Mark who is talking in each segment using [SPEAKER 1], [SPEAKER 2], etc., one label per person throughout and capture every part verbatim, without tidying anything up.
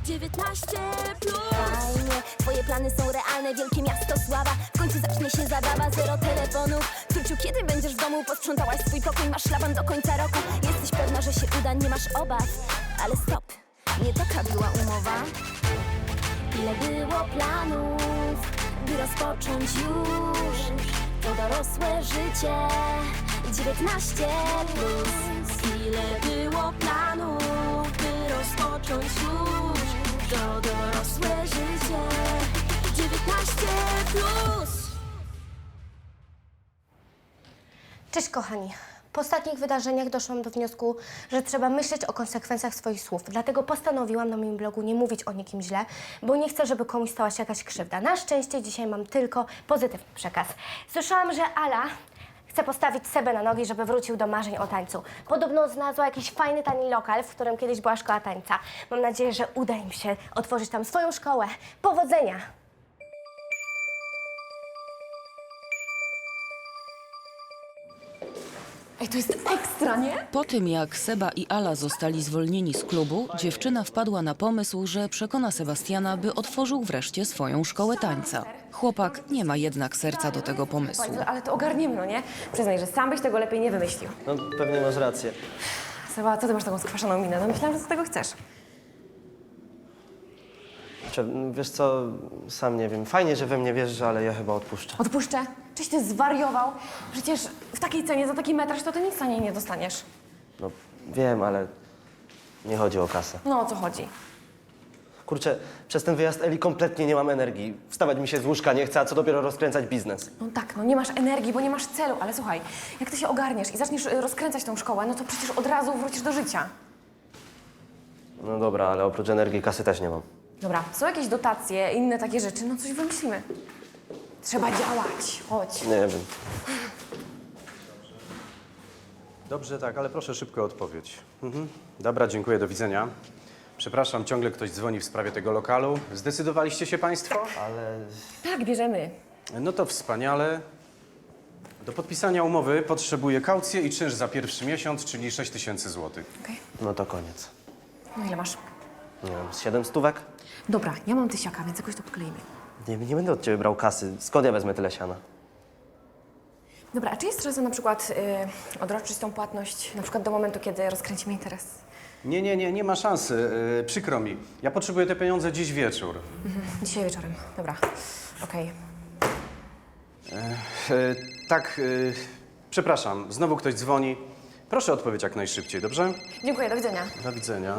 [SPEAKER 1] dziewiętnaście plus. Fajnie, twoje plany są realne, wielkie miasto sława. W końcu zacznie się zabawa, zero telefonów. Kruciu, kiedy będziesz w domu? Posprzątałaś swój pokój, masz szlaban do końca roku. Jesteś pewna, że się uda, nie masz obaw. Ale stop, nie taka była umowa. Ile było planów, by rozpocząć już to dorosłe życie. dziewiętnaście plus. Ile było planów, by rozpocząć już to dorosłe życie. dziewiętnaście plus.
[SPEAKER 2] Cześć kochani. Po ostatnich wydarzeniach doszłam do wniosku, że trzeba myśleć o konsekwencjach swoich słów. Dlatego postanowiłam na moim blogu nie mówić o nikim źle, bo nie chcę, żeby komuś stała się jakaś krzywda. Na szczęście dzisiaj mam tylko pozytywny przekaz. Słyszałam, że Ala chce postawić Sebę na nogi, żeby wrócił do marzeń o tańcu. Podobno znalazła jakiś fajny, tani lokal, w którym kiedyś była szkoła tańca. Mam nadzieję, że uda im się otworzyć tam swoją szkołę. Powodzenia!
[SPEAKER 3] Ej, to jest ekstra, nie?
[SPEAKER 4] Po tym, jak Seba i Ala zostali zwolnieni z klubu, dziewczyna wpadła na pomysł, że przekona Sebastiana, by otworzył wreszcie swoją szkołę tańca. Chłopak nie ma jednak serca do tego pomysłu.
[SPEAKER 3] Ale to ogarniemy, no nie? Przyznaj, że sam byś tego lepiej nie wymyślił.
[SPEAKER 5] No pewnie masz rację.
[SPEAKER 3] Seba, co ty masz taką skwaszoną minę? No myślałam, że ty tego chcesz.
[SPEAKER 5] Czy, wiesz co, sam nie wiem. Fajnie, że we mnie wierzysz, ale ja chyba odpuszczę.
[SPEAKER 3] Odpuszczę? Czyś ty zwariował? Przecież w takiej cenie, za taki metraż, to ty nic za niej nie dostaniesz.
[SPEAKER 5] No wiem, ale nie chodzi o kasę.
[SPEAKER 3] No o co chodzi?
[SPEAKER 5] Kurczę, przez ten wyjazd Eli kompletnie nie mam energii. Wstawać mi się z łóżka nie chce, a co dopiero rozkręcać biznes.
[SPEAKER 3] No tak, no nie masz energii, bo nie masz celu, ale słuchaj, jak ty się ogarniesz i zaczniesz y, rozkręcać tą szkołę, no to przecież od razu wrócisz do życia.
[SPEAKER 5] No dobra, ale oprócz energii kasy też nie mam.
[SPEAKER 3] Dobra, są jakieś dotacje, inne takie rzeczy, no coś wymyślimy. Trzeba działać, chodź.
[SPEAKER 5] Nie wiem.
[SPEAKER 6] Dobrze, tak, ale proszę szybko odpowiedź. Mhm. Dobra, dziękuję, do widzenia. Przepraszam, ciągle ktoś dzwoni w sprawie tego lokalu. Zdecydowaliście się państwo?
[SPEAKER 5] Ale
[SPEAKER 3] Tak, bierzemy.
[SPEAKER 6] No to wspaniale. Do podpisania umowy potrzebuję kaucję i czynsz za pierwszy miesiąc, czyli sześć tysięcy złotych.
[SPEAKER 3] Okej.
[SPEAKER 5] no to koniec.
[SPEAKER 3] No ile masz?
[SPEAKER 5] Nie wiem, z siedem stówek?
[SPEAKER 3] Dobra, ja mam tysiaka, więc jakoś to podkleimy.
[SPEAKER 5] Nie, nie będę od ciebie brał kasy. Skąd ja wezmę tyle siana?
[SPEAKER 3] Dobra, a czy jest szansa na przykład y, odroczyć tą płatność na przykład do momentu, kiedy rozkręcimy interes?
[SPEAKER 6] Nie, nie, nie, nie ma szansy. Yy, przykro mi. Ja potrzebuję te pieniądze dziś wieczór.
[SPEAKER 3] Mhm. Dzisiaj wieczorem. Dobra, okej.
[SPEAKER 6] Yy, tak, yy, przepraszam, znowu ktoś dzwoni. Proszę odpowiedź jak najszybciej, dobrze?
[SPEAKER 3] Dziękuję, do widzenia.
[SPEAKER 6] Do widzenia.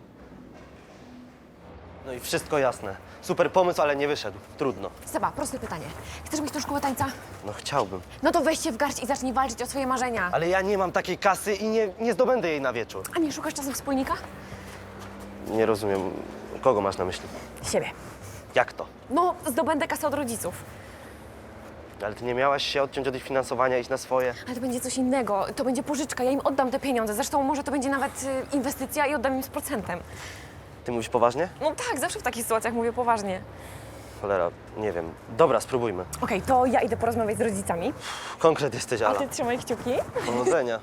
[SPEAKER 5] No i wszystko jasne. Super pomysł, ale nie wyszedł. Trudno.
[SPEAKER 3] Seba, proste pytanie. Chcesz mieć tą szkołę tańca?
[SPEAKER 5] No chciałbym.
[SPEAKER 3] No to weź się w garść i zacznij walczyć o swoje marzenia.
[SPEAKER 5] Ale ja nie mam takiej kasy i nie, nie zdobędę jej na wieczór.
[SPEAKER 3] A nie szukasz czasem wspólnika?
[SPEAKER 5] Nie rozumiem, kogo masz na myśli?
[SPEAKER 3] Siebie.
[SPEAKER 5] Jak to?
[SPEAKER 3] No, zdobędę kasę od rodziców.
[SPEAKER 5] Ale ty nie miałaś się odciąć od ich finansowania, iść na swoje?
[SPEAKER 3] Ale to będzie coś innego. To będzie pożyczka, ja im oddam te pieniądze. Zresztą może to będzie nawet y, inwestycja i oddam im z procentem.
[SPEAKER 5] Ty mówisz poważnie?
[SPEAKER 3] No tak, zawsze w takich sytuacjach mówię poważnie.
[SPEAKER 5] Cholera, nie wiem. Dobra, spróbujmy.
[SPEAKER 3] Okej, to ja idę porozmawiać z rodzicami.
[SPEAKER 5] Konkret jesteś,
[SPEAKER 3] A
[SPEAKER 5] Ala.
[SPEAKER 3] ty trzymaj kciuki.
[SPEAKER 5] Powodzenia.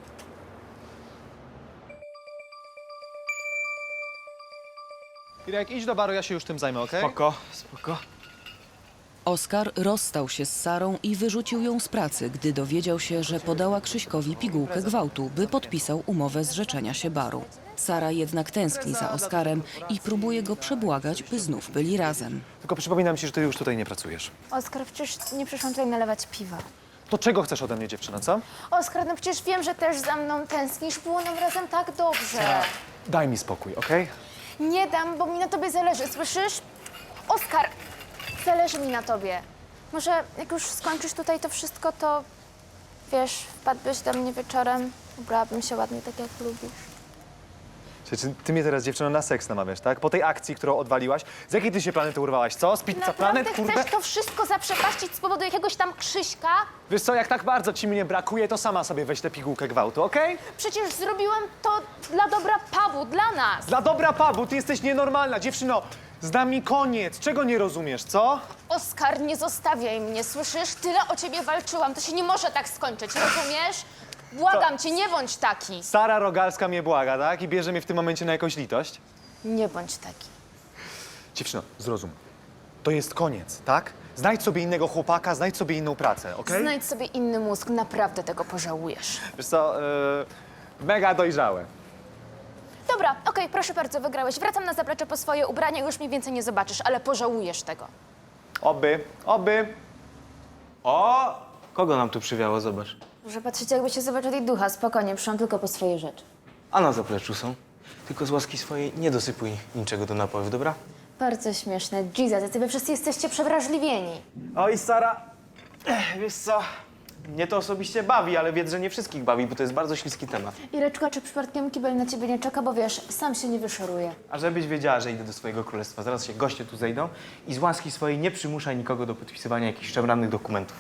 [SPEAKER 7] Irek, idź do baru, ja się już tym zajmę, okej?
[SPEAKER 8] Spoko, spoko.
[SPEAKER 4] Oskar rozstał się z Sarą i wyrzucił ją z pracy, gdy dowiedział się, że podała Krzyśkowi pigułkę gwałtu, by podpisał umowę zrzeczenia się baru. Sara jednak tęskni za Oskarem i próbuje go przebłagać, by znów byli razem.
[SPEAKER 7] Tylko przypominam ci, że ty już tutaj nie pracujesz.
[SPEAKER 9] Oskar, przecież nie przyszłam tutaj nalewać piwa.
[SPEAKER 7] To czego chcesz ode mnie, dziewczyna, co?
[SPEAKER 9] Oskar, no przecież wiem, że też za mną tęsknisz. Było nam razem tak dobrze.
[SPEAKER 7] Daj mi spokój, okej?
[SPEAKER 9] Nie dam, bo mi na tobie zależy, słyszysz? Oskar, zależy mi na tobie. Może jak już skończysz tutaj to wszystko, to wiesz, wpadłbyś do mnie wieczorem, ubrałabym się ładnie tak, jak lubisz.
[SPEAKER 7] Czy, czy ty mnie teraz, dziewczyno, na seks namawiasz, tak? Po tej akcji, którą odwaliłaś, z jakiej ty się planety urwałaś, co? Z Pizza
[SPEAKER 9] Naprawdę
[SPEAKER 7] Planet, kurde?
[SPEAKER 9] chcesz to wszystko zaprzepaścić z powodu jakiegoś tam Krzyśka?
[SPEAKER 7] Wiesz co, jak tak bardzo ci mnie brakuje, to sama sobie weź tę pigułkę gwałtu, okej?
[SPEAKER 9] Przecież zrobiłam to dla dobra pubu, dla nas.
[SPEAKER 7] Dla dobra pubu, ty jesteś nienormalna, dziewczyno. Z nami koniec, czego nie rozumiesz, co?
[SPEAKER 9] Oskar, nie zostawiaj mnie, słyszysz? Tyle o ciebie walczyłam, to się nie może tak skończyć, rozumiesz? Błagam cię, nie bądź taki.
[SPEAKER 7] Sara Rogalska mnie błaga, tak? I bierze mnie w tym momencie na jakąś litość.
[SPEAKER 9] Nie bądź taki.
[SPEAKER 7] Dziewczyno, zrozum. To jest koniec, tak? Znajdź sobie innego chłopaka, znajdź sobie inną pracę, okej?
[SPEAKER 9] Znajdź sobie inny mózg, naprawdę tego pożałujesz.
[SPEAKER 7] Wiesz co, yy, mega dojrzałe.
[SPEAKER 9] Dobra, okej, proszę bardzo, wygrałeś. Wracam na zaplecze po swoje ubrania, już mnie więcej nie zobaczysz, ale pożałujesz tego.
[SPEAKER 7] Oby, oby.
[SPEAKER 8] O! Kogo nam tu przywiało? Zobacz.
[SPEAKER 9] Może patrzycie, jakby się zobaczył tej ducha. Spokojnie, przyszłam tylko po swoje rzeczy.
[SPEAKER 8] A na zapleczu są. Tylko z łaski swojej nie dosypuj niczego do napojów, dobra?
[SPEAKER 9] Bardzo śmieszne. Jesus, jacy wy wszyscy jesteście przewrażliwieni.
[SPEAKER 8] Oj, Sara, ech, wiesz co? Mnie to osobiście bawi, ale wiedz, że nie wszystkich bawi, bo to jest bardzo śliski temat.
[SPEAKER 9] Ireczko, a czy przypadkiem kibel na ciebie nie czeka, bo wiesz, sam się nie wyszoruje.
[SPEAKER 8] A żebyś wiedziała, że idę do swojego królestwa. Zaraz się goście tu zejdą i z łaski swojej nie przymuszaj nikogo do podpisywania jakichś szemranych dokumentów.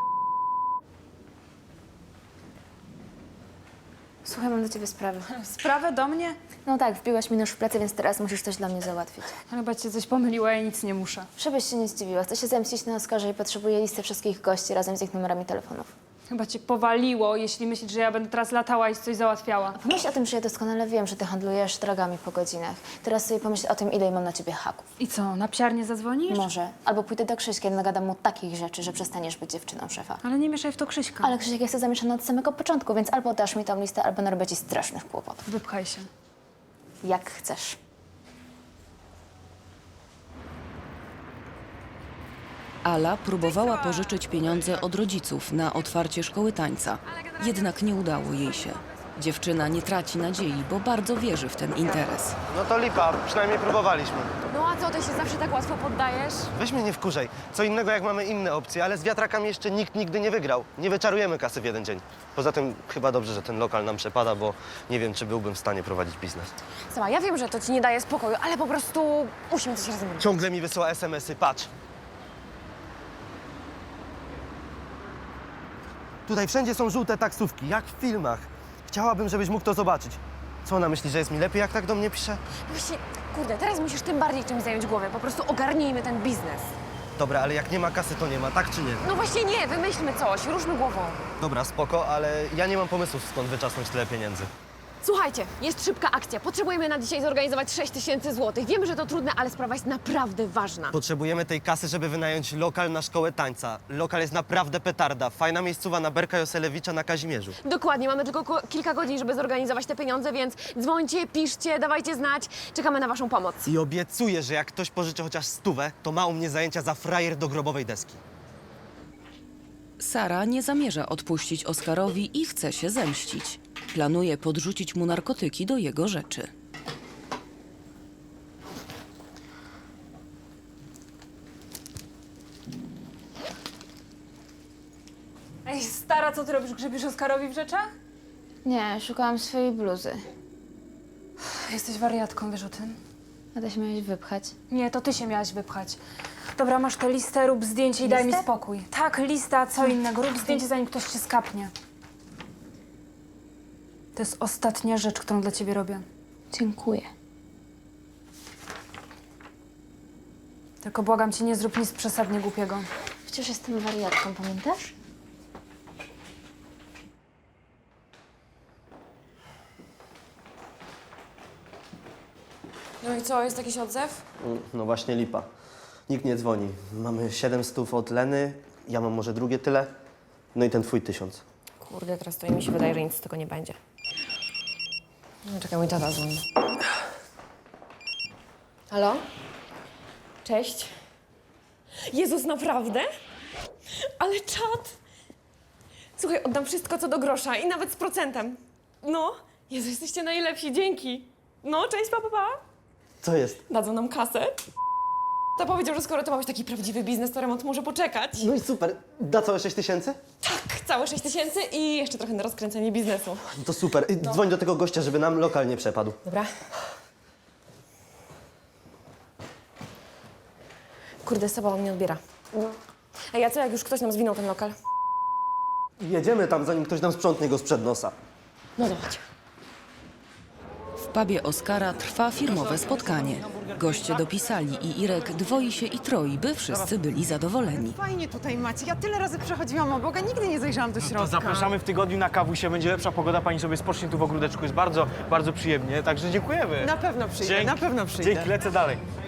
[SPEAKER 9] Słuchaj, mam do ciebie sprawę.
[SPEAKER 10] Sprawę do mnie?
[SPEAKER 9] No tak, wbiłaś mi nóż w plecy, więc teraz musisz coś dla mnie załatwić.
[SPEAKER 10] Chyba cię coś pomyliła, ja nic nie muszę.
[SPEAKER 9] Żebyś się nie zdziwiła, chcę się zemścić na Oskarze i potrzebuję listy wszystkich gości razem z ich numerami telefonów.
[SPEAKER 10] Chyba cię powaliło, jeśli myślisz, że ja będę teraz latała i coś załatwiała.
[SPEAKER 9] Pomyśl o tym, że ja doskonale wiem, że ty handlujesz drogami po godzinach. Teraz sobie pomyśl o tym, ile mam na ciebie haków.
[SPEAKER 10] I co, na psiarnię zadzwonisz?
[SPEAKER 9] Może. Albo pójdę do Krzyśka i nagadam mu takich rzeczy, że przestaniesz być dziewczyną szefa.
[SPEAKER 10] Ale nie mieszaj w to Krzyśka.
[SPEAKER 9] Ale Krzysiek jest zamieszany od samego początku, więc albo dasz mi tą listę, albo narobię ci strasznych kłopotów.
[SPEAKER 10] Wypchaj się.
[SPEAKER 9] Jak chcesz.
[SPEAKER 4] Ala próbowała pożyczyć pieniądze od rodziców na otwarcie szkoły tańca, jednak nie udało jej się. Dziewczyna nie traci nadziei, bo bardzo wierzy w ten interes.
[SPEAKER 5] No to lipa, przynajmniej próbowaliśmy.
[SPEAKER 3] No a co, ty się zawsze tak łatwo poddajesz?
[SPEAKER 5] Weź mnie nie wkurzaj. Co innego jak mamy inne opcje, ale z wiatrakami jeszcze nikt nigdy nie wygrał. Nie wyczarujemy kasy w jeden dzień. Poza tym chyba dobrze, że ten lokal nam przepada, bo nie wiem, czy byłbym w stanie prowadzić biznes.
[SPEAKER 3] Sama, ja wiem, że to ci nie daje spokoju, ale po prostu musimy coś razem robić.
[SPEAKER 5] Ciągle mi wysyła es em esy, patrz. Tutaj wszędzie są żółte taksówki, jak w filmach. Chciałabym, żebyś mógł to zobaczyć. Co ona myśli, że jest mi lepiej, jak tak do mnie pisze?
[SPEAKER 3] Właśnie, kurde, teraz musisz tym bardziej czymś zająć głowę. Po prostu ogarnijmy ten biznes.
[SPEAKER 5] Dobra, ale jak nie ma kasy, to nie ma, tak czy nie?
[SPEAKER 3] No właśnie nie, wymyślmy coś, ruszmy głową.
[SPEAKER 5] Dobra, spoko, ale ja nie mam pomysłów, skąd wyczasnąć tyle pieniędzy.
[SPEAKER 3] Słuchajcie, jest szybka akcja. Potrzebujemy na dzisiaj zorganizować sześć tysięcy złotych. Wiemy, że to trudne, ale sprawa jest naprawdę ważna.
[SPEAKER 5] Potrzebujemy tej kasy, żeby wynająć lokal na szkołę tańca. Lokal jest naprawdę petarda. Fajna miejscowa na Berka Joselewicza na Kazimierzu.
[SPEAKER 3] Dokładnie, mamy tylko ko- kilka godzin, żeby zorganizować te pieniądze, więc dzwońcie, piszcie, dawajcie znać. Czekamy na waszą pomoc.
[SPEAKER 5] I obiecuję, że jak ktoś pożyczy chociaż stówę, to ma u mnie zajęcia za frajer do grobowej deski.
[SPEAKER 4] Sara nie zamierza odpuścić Oskarowi i chce się zemścić. Planuje podrzucić mu narkotyki do jego rzeczy.
[SPEAKER 10] Ej, stara, co ty robisz? Grzebiesz Oskarowi w rzeczach?
[SPEAKER 9] Nie, szukałam swojej bluzy.
[SPEAKER 10] Jesteś wariatką, wiesz o tym?
[SPEAKER 9] A ty się miałeś wypchać.
[SPEAKER 10] Nie, to ty się miałaś wypchać. Dobra, masz tę listę, rób zdjęcie i daj mi
[SPEAKER 9] Listę?
[SPEAKER 10] spokój. Tak, lista, co innego. Rób zdjęcie, zanim ktoś cię skapnie. To jest ostatnia rzecz, którą dla ciebie robię.
[SPEAKER 9] Dziękuję.
[SPEAKER 10] Tylko błagam cię, nie zrób nic przesadnie głupiego.
[SPEAKER 9] Przecież jestem wariatką, pamiętasz?
[SPEAKER 3] No i co, jest jakiś odzew?
[SPEAKER 5] No właśnie lipa. Nikt nie dzwoni. Mamy siedem stów od Leny, ja mam może drugie tyle. No i ten twój tysiąc.
[SPEAKER 3] Kurde, teraz to mi się wydaje, że nic z tego nie będzie. No, czekaj, mój tata dzwoni. Halo? Cześć. Jezus, naprawdę? Ale czad! Słuchaj, oddam wszystko co do grosza i nawet z procentem. No, Jezu, jesteście najlepsi, dzięki. No, cześć, pa, pa, pa.
[SPEAKER 5] Co jest?
[SPEAKER 3] Dadzą nam kasę. To powiedział, że skoro to ma być taki prawdziwy biznes, to remont może poczekać.
[SPEAKER 5] No i super. Da całe sześć tysięcy?
[SPEAKER 3] Tak, całe sześć tysięcy i jeszcze trochę na rozkręcenie biznesu.
[SPEAKER 5] No to super. I Dzwoń do tego gościa, żeby nam lokal nie przepadł.
[SPEAKER 3] Dobra. Kurde, Soba on nie odbiera. Ej, a co jak już ktoś nam zwinął ten lokal?
[SPEAKER 5] Jedziemy tam, zanim ktoś nam sprzątnie go sprzed nosa.
[SPEAKER 3] No zobacz.
[SPEAKER 4] W pubie Oskara trwa firmowe spotkanie. Goście dopisali i Irek dwoi się i troi, by wszyscy byli zadowoleni.
[SPEAKER 11] Fajnie tutaj macie. Ja tyle razy przechodziłam obok, a nigdy nie zajrzałam do środka.
[SPEAKER 8] To zapraszamy w tygodniu na kawusie, będzie lepsza pogoda, pani sobie spocznie tu w ogródeczku, jest bardzo, bardzo przyjemnie, także dziękujemy.
[SPEAKER 11] Na pewno przyjdę,
[SPEAKER 8] Dzięki.
[SPEAKER 11] na pewno przyjdę.
[SPEAKER 8] Dzięki, lecę dalej.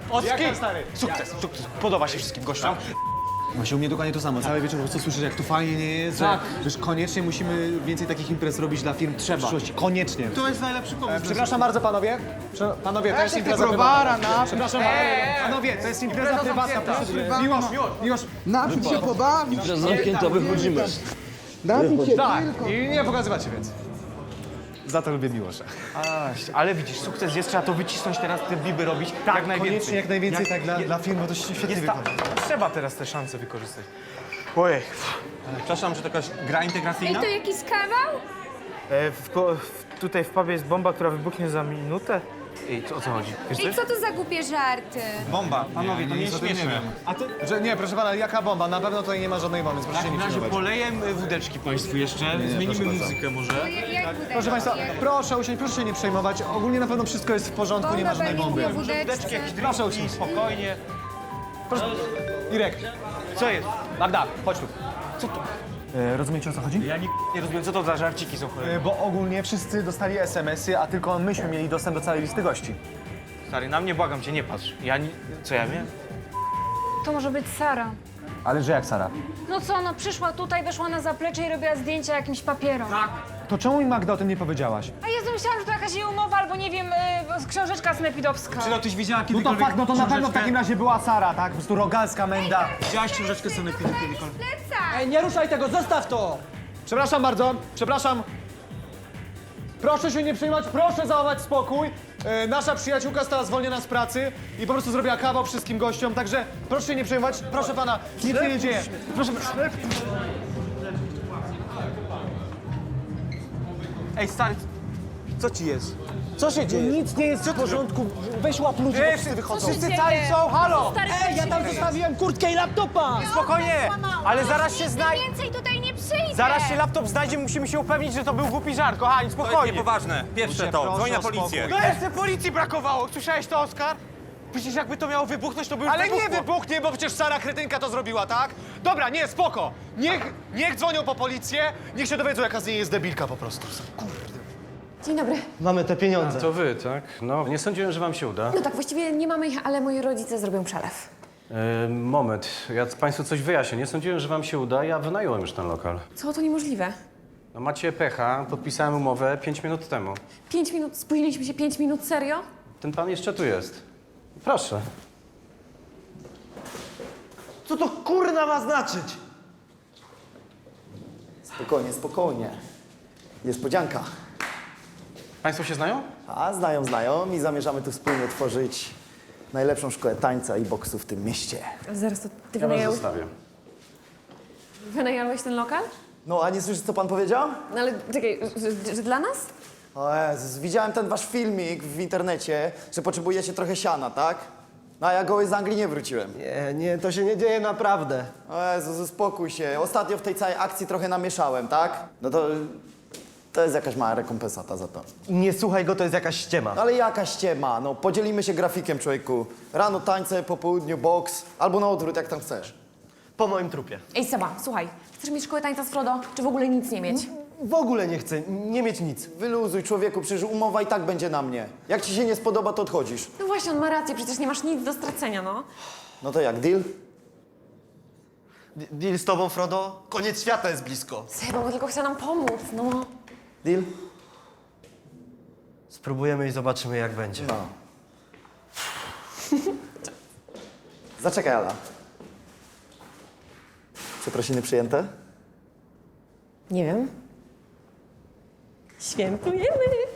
[SPEAKER 7] Jak tam, stary?
[SPEAKER 8] Sukces, sukces. Podoba się wszystkim gościom.
[SPEAKER 12] Właśnie u mnie dokładnie to samo. Cały wieczór po prostu słyszę, jak tu fajnie nie jest,
[SPEAKER 8] Tak.
[SPEAKER 12] że, że koniecznie musimy więcej takich imprez robić dla firm w przyszłości. Koniecznie.
[SPEAKER 8] To jest najlepszy pomysł.
[SPEAKER 7] E, przepraszam bardzo, panowie. Prze panowie, to jest impreza
[SPEAKER 11] browara,
[SPEAKER 7] prywatna.
[SPEAKER 11] na-
[SPEAKER 7] Przepraszam, panowie, to jest impreza prywatna. Proszę. Miłosz, Miłosz.
[SPEAKER 11] Napić się, pobawić.
[SPEAKER 5] Zamknięta, wychodzimy.
[SPEAKER 11] Napić się
[SPEAKER 7] Tak,
[SPEAKER 11] tylko.
[SPEAKER 7] i nie pokazywać się więcej. Za to lubię Miłosza.
[SPEAKER 8] A, ale widzisz, sukces jest, trzeba to wycisnąć teraz, te biby robić
[SPEAKER 7] Tak,
[SPEAKER 8] jak najwięcej.
[SPEAKER 7] koniecznie jak najwięcej tak dla,
[SPEAKER 8] je-
[SPEAKER 7] dla firm, bo to świetnie
[SPEAKER 8] jest ta,
[SPEAKER 7] wychodzi.
[SPEAKER 8] trzeba teraz te szanse wykorzystać. Ojej. Przepraszam, że to jakaś gra integracyjna?
[SPEAKER 9] To jakiś kawał?
[SPEAKER 8] E, w, ko- w, tutaj w pubie jest bomba, która wybuchnie za minutę. Ej, co, o co chodzi? Wiesz
[SPEAKER 9] I
[SPEAKER 8] coś?
[SPEAKER 9] co to za głupie żarty?
[SPEAKER 8] Bomba, panowie, to nie
[SPEAKER 12] nic
[SPEAKER 8] jest
[SPEAKER 12] o tym nie
[SPEAKER 8] śmieszne.
[SPEAKER 12] wiem.
[SPEAKER 7] A ty, że nie, proszę pana, jaka bomba? Na pewno tutaj nie ma żadnej bomby,
[SPEAKER 8] W
[SPEAKER 7] proszę się nie
[SPEAKER 8] takim razie
[SPEAKER 7] przejmować.
[SPEAKER 8] poleję e, wódeczki państwu jeszcze, zmienimy muzykę może.
[SPEAKER 7] Proszę państwa, proszę usiąść, proszę się nie przejmować. Ogólnie na pewno wszystko jest w porządku, nie ma żadnej bomby.
[SPEAKER 8] Wódeczki, jakieś
[SPEAKER 7] Proszę
[SPEAKER 8] drinki,
[SPEAKER 7] usiąść.
[SPEAKER 8] spokojnie.
[SPEAKER 7] Proszę. Irek,
[SPEAKER 8] Co jest?
[SPEAKER 7] Magda, chodź tu. Co tu? E, rozumiecie, o co chodzi?
[SPEAKER 8] Ja nie, nie rozumiem, co to za żarciki są cholera.
[SPEAKER 7] E, bo ogólnie wszyscy dostali es em esy, a tylko myśmy mieli dostęp do całej listy gości.
[SPEAKER 8] Stary, na mnie błagam cię, nie patrz. Ja nie... Co ja wiem?
[SPEAKER 10] To może być Sara.
[SPEAKER 7] Ale że jak, Sara?
[SPEAKER 10] No co, no przyszła tutaj, weszła na zaplecze i robiła zdjęcia jakimś papierom. Tak.
[SPEAKER 7] To czemu mi, Magda, o tym nie powiedziałaś?
[SPEAKER 10] A Jezu, myślałam, że to jakaś jej umowa albo nie wiem, y, książeczka snepidowska.
[SPEAKER 8] Czy no tyś widziała
[SPEAKER 7] No to
[SPEAKER 8] kiedykolwiek
[SPEAKER 7] fakt, no to na pewno w
[SPEAKER 8] książeczkę?
[SPEAKER 7] takim razie była Sara, tak? Po prostu rogalska menda.
[SPEAKER 8] Widziałaś książeczkę Sanepidu kiedykolwiek?
[SPEAKER 11] Ej, nie ruszaj tego, zostaw to!
[SPEAKER 7] Przepraszam bardzo, przepraszam. Proszę się nie przejmować, proszę zachować spokój. E, nasza przyjaciółka została zwolniona z pracy i po prostu zrobiła kawał wszystkim gościom, także proszę się nie przejmować, proszę pana, nic się nie dzieje. Proszę.
[SPEAKER 8] Ej, stary, co ci jest?
[SPEAKER 11] Co się dzieje?
[SPEAKER 7] Nic nie jest w porządku, weź łap ludzi, bo wszyscy wychodzą.
[SPEAKER 8] Wszyscy cali są, halo!
[SPEAKER 11] Ej, ja tam zostawiłem kurtkę i laptopa!
[SPEAKER 8] Spokojnie, ale zaraz się znajdzie.
[SPEAKER 9] Więcej tutaj nie przyjdzie!
[SPEAKER 8] Zaraz się laptop znajdzie, musimy się upewnić, że to był głupi żart, kochani, spokojnie.
[SPEAKER 13] Niepoważne. Pierwsze to. Dzwoń na policję.
[SPEAKER 8] No jeszcze policji brakowało, słyszałeś to, Oskar? Przecież jakby to miało wybuchnąć, to by już
[SPEAKER 7] Ale nie
[SPEAKER 8] wybuchło.
[SPEAKER 7] wybuchnie, bo przecież Sara Kretynka to zrobiła, tak? Dobra, nie, spoko. Niech, niech dzwonią po policję, niech się dowiedzą, jaka z niej jest debilka po prostu.
[SPEAKER 3] Dzień dobry.
[SPEAKER 5] Mamy te pieniądze.
[SPEAKER 6] To wy, tak? No, nie sądziłem, że wam się uda.
[SPEAKER 3] No tak, właściwie nie mamy ich, ale moi rodzice zrobią przelew.
[SPEAKER 6] E, moment, ja państwu coś wyjaśnię. Nie sądziłem, że wam się uda, ja wynająłem już ten lokal.
[SPEAKER 3] Co, to niemożliwe.
[SPEAKER 6] No macie pecha, podpisałem umowę pięć minut temu.
[SPEAKER 3] Pięć minut, spóźniliśmy się pięć minut, serio?
[SPEAKER 6] Ten pan jeszcze tu jest. Proszę.
[SPEAKER 5] Co to kurna ma znaczyć?
[SPEAKER 14] Spokojnie, spokojnie. Niespodzianka.
[SPEAKER 6] Państwo się znają?
[SPEAKER 14] A znają, znają i zamierzamy tu wspólnie tworzyć najlepszą szkołę tańca i boksu w tym mieście.
[SPEAKER 3] Zaraz, to ty
[SPEAKER 6] Ja was
[SPEAKER 3] wynająłeś,
[SPEAKER 6] zostawię.
[SPEAKER 3] wynająłeś ten lokal?
[SPEAKER 14] No, a nie słyszysz, co pan powiedział?
[SPEAKER 3] No ale czekaj, że, że dla nas?
[SPEAKER 14] O Jezus, widziałem ten wasz filmik w internecie, że potrzebujecie trochę siana, tak? No, a ja goły z Anglii nie wróciłem.
[SPEAKER 5] Nie, nie, to się nie dzieje naprawdę.
[SPEAKER 14] O Jezus, uspokój się. Ostatnio w tej całej akcji trochę namieszałem, tak? No to... To jest jakaś mała rekompensata za to.
[SPEAKER 5] Nie słuchaj go, to jest jakaś ściema.
[SPEAKER 14] No ale jaka ściema, no podzielimy się grafikiem, człowieku. Rano tańce, po południu boks, albo na odwrót, jak tam chcesz.
[SPEAKER 5] Po moim trupie.
[SPEAKER 3] Ej, Seba, słuchaj, chcesz mieć szkołę tańca z Frodo, czy w ogóle nic nie mieć?
[SPEAKER 5] W ogóle nie chcę, nie mieć nic.
[SPEAKER 14] Wyluzuj, człowieku, przecież umowa i tak będzie na mnie. Jak ci się nie spodoba, to odchodzisz.
[SPEAKER 3] No właśnie, on ma rację, przecież nie masz nic do stracenia, no.
[SPEAKER 14] No to jak, deal?
[SPEAKER 5] D- Deal z tobą, Frodo? Koniec świata jest blisko.
[SPEAKER 3] Seba, bo tylko chce nam pomóc, no.
[SPEAKER 14] Deal?
[SPEAKER 5] Spróbujemy i zobaczymy, jak będzie.
[SPEAKER 14] No. Zaczekaj, Ala. Przeprosiny przyjęte?
[SPEAKER 3] Nie wiem. Świętujemy.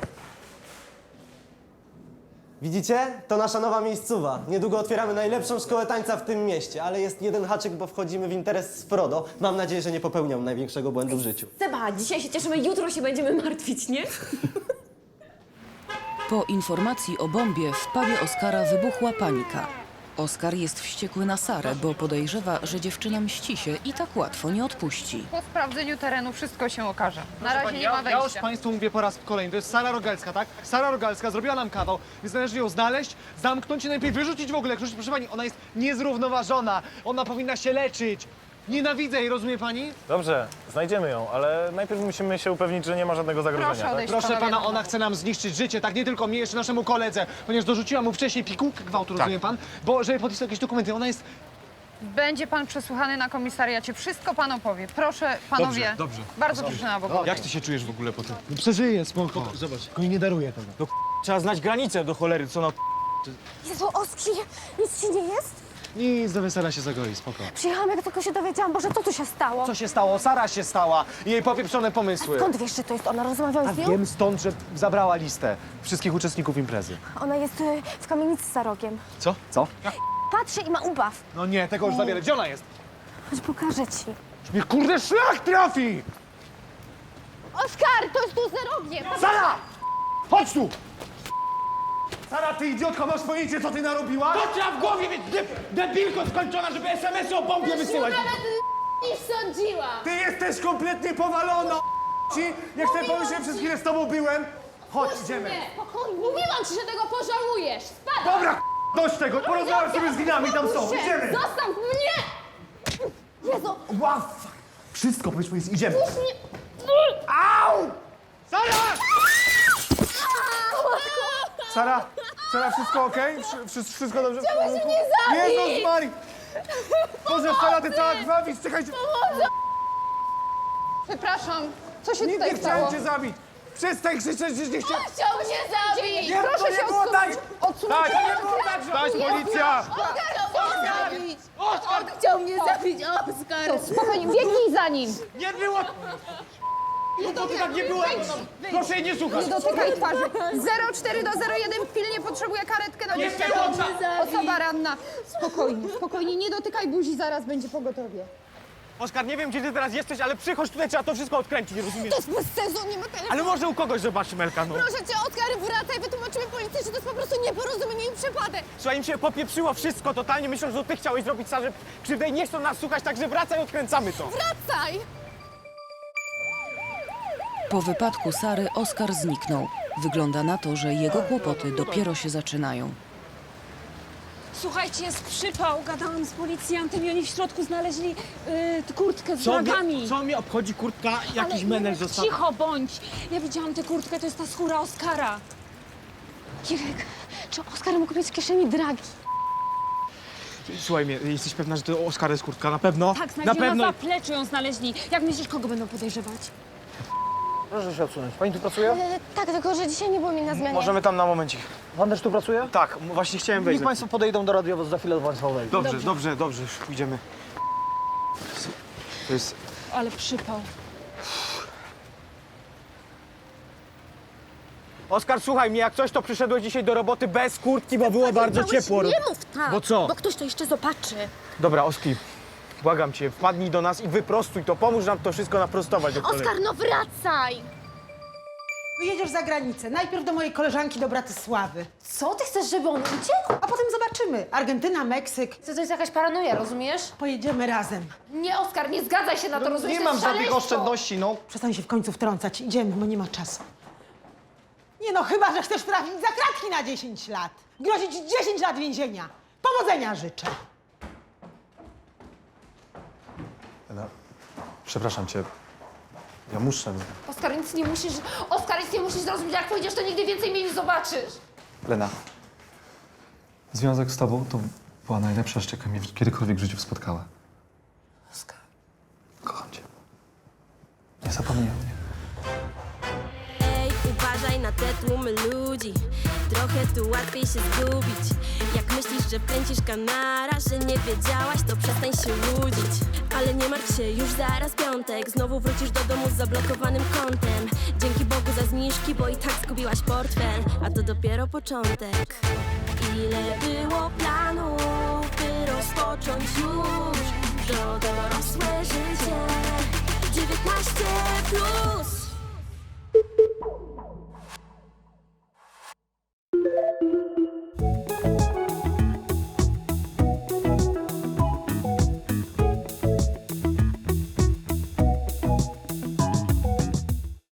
[SPEAKER 5] Widzicie? To nasza nowa miejscowa. Niedługo otwieramy najlepszą szkołę tańca w tym mieście, ale jest jeden haczyk, bo wchodzimy w interes z Frodo. Mam nadzieję, że nie popełniam największego błędu w życiu.
[SPEAKER 3] Seba, dzisiaj się cieszymy, jutro się będziemy martwić, nie?
[SPEAKER 4] Po informacji o bombie w pubie Oskara wybuchła panika. Oskar jest wściekły na Sarę, bo podejrzewa, że dziewczyna mści się i tak łatwo nie odpuści.
[SPEAKER 10] Po sprawdzeniu terenu wszystko się okaże. Na razie nie ma
[SPEAKER 7] Ja już
[SPEAKER 10] wejścia.
[SPEAKER 7] państwu mówię po raz kolejny, to jest Sara Rogalska, tak? Sara Rogalska zrobiła nam kawał, więc należy ją znaleźć, zamknąć i najlepiej wyrzucić w ogóle. Proszę, proszę pani, ona jest niezrównoważona, ona powinna się leczyć. Nienawidzę jej, rozumie pani?
[SPEAKER 13] Dobrze, znajdziemy ją, ale najpierw musimy się upewnić, że nie ma żadnego zagrożenia.
[SPEAKER 11] Proszę
[SPEAKER 13] tak?
[SPEAKER 11] odejść.
[SPEAKER 7] Proszę
[SPEAKER 11] panowie,
[SPEAKER 7] pana,
[SPEAKER 11] no.
[SPEAKER 7] ona chce nam zniszczyć życie, tak nie tylko mnie, jeszcze naszemu koledze, ponieważ dorzuciła mu wcześniej pigułkę gwałtu, rozumie pan? Bo żeby podpisał jakieś dokumenty, ona jest...
[SPEAKER 11] Będzie pan przesłuchany na komisariacie. Wszystko pan opowie. Proszę, panowie.
[SPEAKER 7] Dobrze, dobrze.
[SPEAKER 11] Bardzo proszę na bok.
[SPEAKER 7] Jak ty się czujesz w ogóle po tym? No przeżyję, spoko. Zobacz, tylko jej nie daruję tego.
[SPEAKER 8] No trzeba znać granicę do cholery, co na...
[SPEAKER 2] Jezu, Oski, nic ci nie jest?
[SPEAKER 7] Nic, do wesela się zagoi, spoko.
[SPEAKER 2] Przyjechałam, jak tylko się dowiedziałam. Boże, co tu się stało?
[SPEAKER 7] Co się stało? Sara się stała i jej popieprzone pomysły.
[SPEAKER 2] Skąd wiesz, że to jest ona? Rozmawiałeś
[SPEAKER 7] A
[SPEAKER 2] z nią?
[SPEAKER 7] wiem stąd, że zabrała listę wszystkich uczestników imprezy.
[SPEAKER 2] Ona jest y, w kamienicy za rogiem.
[SPEAKER 7] Co? Co?
[SPEAKER 2] Patrzy i ma ubaw.
[SPEAKER 7] No nie, tego już za wiele. Gdzie ona jest?
[SPEAKER 2] Chodź, pokażę ci.
[SPEAKER 7] Już mnie kurde szlak trafi!
[SPEAKER 2] Oskar, to jest tu za rogiem!
[SPEAKER 7] Sara! Chodź tu! Sara, ty idiotko, masz pojęcie, co ty narobiłaś?
[SPEAKER 8] To trzeba w głowie mieć, de debilko skończona, żeby es em esy o bombie wysyłać.
[SPEAKER 2] Nie sądziła!
[SPEAKER 7] Ty jesteś kompletnie powalona, ci! Nie chcę pomyśleć, przez chwilę z tobą byłem. Chodź, idziemy.
[SPEAKER 1] Mówiłam ci, że tego pożałujesz! Spadaj!
[SPEAKER 7] Dobra, dość tego, porozmawiam sobie z winami, tam są, idziemy.
[SPEAKER 1] Zostaw mnie! Jezu!
[SPEAKER 7] Wow, fuck. Wszystko, powiedz, powiedz, idziemy. Au! Sara! Sara, Sara, wszystko okej? Wszy- Wszystko dobrze?
[SPEAKER 1] Chciałeś mnie zabić!
[SPEAKER 7] Jezus Mari! Boże, Sara, ty cała krwawisz, czekajcie.
[SPEAKER 11] Przepraszam. Co się
[SPEAKER 7] Nie,
[SPEAKER 11] tutaj
[SPEAKER 7] nie
[SPEAKER 11] stało?
[SPEAKER 7] chciałem cię zabić. Przestań krzyczeć, że nie chciałem.
[SPEAKER 1] Chciał mnie zabić!
[SPEAKER 7] Nie,
[SPEAKER 11] Proszę
[SPEAKER 7] to nie
[SPEAKER 11] się
[SPEAKER 7] było tak.
[SPEAKER 11] odsunąć.
[SPEAKER 7] Tak, to nie było tak, że... Dać policja!
[SPEAKER 1] Chciał mnie zabić! On chciał mnie zabić, Oskar!
[SPEAKER 11] Spokojnie, biegnij za nim.
[SPEAKER 8] Nie było... No to tak nie było. Proszę jej nie słuchać.
[SPEAKER 11] Nie dotykaj twarzy. zero cztery do zero jeden pilnie potrzebuje karetkę na
[SPEAKER 8] Nie
[SPEAKER 11] dziecko.
[SPEAKER 8] było tak.
[SPEAKER 11] Osoba ranna. Spokojnie, spokojnie, nie dotykaj buzi, zaraz będzie pogotowie.
[SPEAKER 8] Oskar, nie wiem, gdzie ty teraz jesteś, ale przychodź tutaj, trzeba to wszystko odkręcić, nie rozumiesz?
[SPEAKER 11] To jest bez sensu, nie ma telefonu.
[SPEAKER 8] Ale może u kogoś zobaczymy, Elka, no.
[SPEAKER 1] Proszę cię, Oskar, wracaj, wytłumaczymy policji, że to jest po prostu nieporozumienie i przypadek!
[SPEAKER 8] Słuchaj, im się popieprzyło wszystko totalnie, myślą, że to ty chciałeś zrobić Sarze krzywdę i nie chcą nas słuchać, także wracaj, odkręcamy to.
[SPEAKER 1] Wracaj!
[SPEAKER 4] Po wypadku Sary Oskar zniknął. Wygląda na to, że jego kłopoty dopiero się zaczynają.
[SPEAKER 10] Słuchajcie, jest przypał. Gadałam z policjantem i oni w środku znaleźli y, kurtkę z
[SPEAKER 8] Co
[SPEAKER 10] flagami.
[SPEAKER 8] mnie, co mnie obchodzi kurtka, jakiś
[SPEAKER 10] Ale
[SPEAKER 8] menel
[SPEAKER 10] Jurek,
[SPEAKER 8] został.
[SPEAKER 10] cicho bądź. Ja widziałam tę kurtkę, to jest ta skóra Oskara.
[SPEAKER 2] Jurek, czy Oskar mógł mieć w kieszeni dragi?
[SPEAKER 8] Słuchaj mnie, jesteś pewna, że to Oskar jest kurtka? Na pewno?
[SPEAKER 10] Tak,
[SPEAKER 8] na
[SPEAKER 10] znaleźli
[SPEAKER 8] pewno.
[SPEAKER 10] na zapleczu ją znaleźli. Jak myślisz, kogo będą podejrzewać?
[SPEAKER 8] Proszę się odsunąć. Pani tu pracuje?
[SPEAKER 2] E, tak, tylko że dzisiaj nie było mi na zmianie.
[SPEAKER 8] Możemy tam na momencik.
[SPEAKER 12] Pan też tu pracuje?
[SPEAKER 8] Tak, m- właśnie chciałem wejść.
[SPEAKER 12] Niech państwo podejdą do radiowozu, za chwilę do państwa wejdę.
[SPEAKER 8] Dobrze, dobrze, dobrze, dobrze, już pójdziemy. To jest...
[SPEAKER 10] Ale przypał.
[SPEAKER 8] Oskar, słuchaj mnie, jak coś, to przyszedłeś dzisiaj do roboty bez kurtki, bo było bardzo ciepło.
[SPEAKER 2] Nie mów tak,
[SPEAKER 8] Bo co?
[SPEAKER 2] bo ktoś to jeszcze zobaczy.
[SPEAKER 8] Dobra, Oski, błagam cię, wpadnij do nas i wyprostuj to, pomóż nam to wszystko naprostować. do cholery.
[SPEAKER 2] Oskar, no wracaj!
[SPEAKER 11] Jedziesz za granicę. Najpierw do mojej koleżanki, do Bratysławy.
[SPEAKER 2] Co, ty chcesz, żeby on uciekł?
[SPEAKER 11] A potem zobaczymy. Argentyna, Meksyk.
[SPEAKER 1] To jest jakaś paranoja, rozumiesz?
[SPEAKER 11] Pojedziemy razem.
[SPEAKER 1] Nie, Oskar, nie zgadzaj się na to, rozumiesz?
[SPEAKER 7] Nie
[SPEAKER 1] To
[SPEAKER 7] mam
[SPEAKER 1] jest
[SPEAKER 7] żadnych
[SPEAKER 1] szaleństwo.
[SPEAKER 7] oszczędności, no.
[SPEAKER 11] Przestań się w końcu wtrącać. Idziemy, bo nie ma czasu. Nie no, chyba że chcesz trafić za kratki na dziesięć lat. Grozić dziesięć lat więzienia. Powodzenia życzę.
[SPEAKER 12] Ela, przepraszam cię. Ja muszę.
[SPEAKER 1] Oskar, nic nie musisz... Oskar, nic nie musisz zrozumieć. Jak pójdziesz, to nigdy więcej mnie nie zobaczysz.
[SPEAKER 12] Lena. Związek z tobą to była najlepsza rzecz, jaka mnie kiedykolwiek w życiu spotkała.
[SPEAKER 1] Oskar.
[SPEAKER 12] Kocham cię. Nie zapomnij o mnie.
[SPEAKER 1] Ej, uważaj na te tłumy ludzi. Trochę tu łatwiej się zgubić. Jak myślisz, że plęcisz kanara, że nie wiedziałaś, to przestań się łudzić. Ale nie martw się, już zaraz piątek. Znowu wrócisz do domu z zablokowanym kontem. Dzięki Bogu za zniżki, bo i tak zgubiłaś portfel. A to dopiero początek. Ile było planów, by rozpocząć już to dorosłe życie. dziewiętnaście plus.